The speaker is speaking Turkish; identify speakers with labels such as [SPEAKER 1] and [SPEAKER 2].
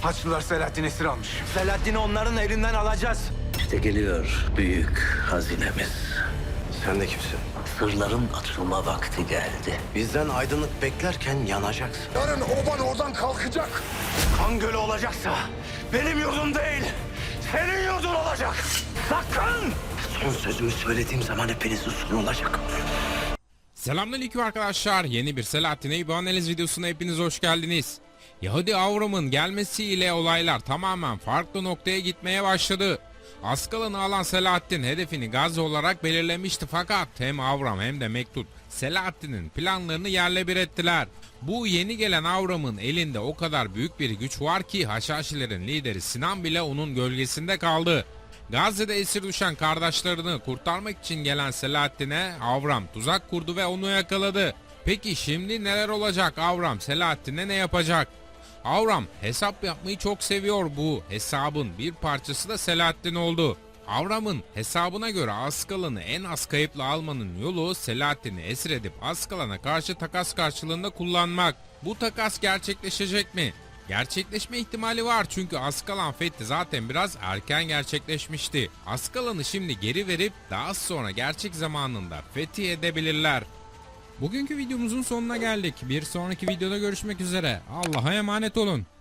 [SPEAKER 1] Haçlılar Selahattin esir almış.
[SPEAKER 2] Selahattin'i onların elinden alacağız.
[SPEAKER 3] İşte geliyor büyük hazinemiz.
[SPEAKER 2] Sen de kimsin?
[SPEAKER 3] Sırların açılma vakti geldi.
[SPEAKER 2] Bizden aydınlık beklerken yanacaksın.
[SPEAKER 4] Yarın oban oradan kalkacak.
[SPEAKER 2] Kan gölü olacaksa benim yurdum değil, senin yurdun olacak. Sakın! Son sözümü söylediğim zaman hepinizin sonu olacak.
[SPEAKER 5] Selamünaleyküm arkadaşlar. Yeni bir Selahattin Eyüp analiz videosuna hepiniz hoş geldiniz. Yahudi Avram'ın gelmesiyle olaylar tamamen farklı noktaya gitmeye başladı. Askalan'ı alan Selahattin hedefini Gazze olarak belirlemişti fakat hem Avram hem de Mektut Selahattin'in planlarını yerle bir ettiler. Bu yeni gelen Avram'ın elinde o kadar büyük bir güç var ki Haşhaşilerin lideri Sinan bile onun gölgesinde kaldı. Gazze'de esir düşen kardeşlerini kurtarmak için gelen Selahattin'e Avram tuzak kurdu ve onu yakaladı. Peki şimdi neler olacak? Avram Selahattin'e ne yapacak? Avram hesap yapmayı çok seviyor, bu hesabın bir parçası da Selahattin oldu. Avram'ın hesabına göre Askalan'ı en az kayıpla almanın yolu Selahattin'i esir edip Askalan'a karşı takas karşılığında kullanmak. Bu takas gerçekleşecek mi? Gerçekleşme ihtimali var çünkü Askalan fethi zaten biraz erken gerçekleşmişti. Askalan'ı şimdi geri verip daha sonra gerçek zamanında fethi edebilirler. Bugünkü videomuzun sonuna geldik. Bir sonraki videoda görüşmek üzere. Allah'a emanet olun.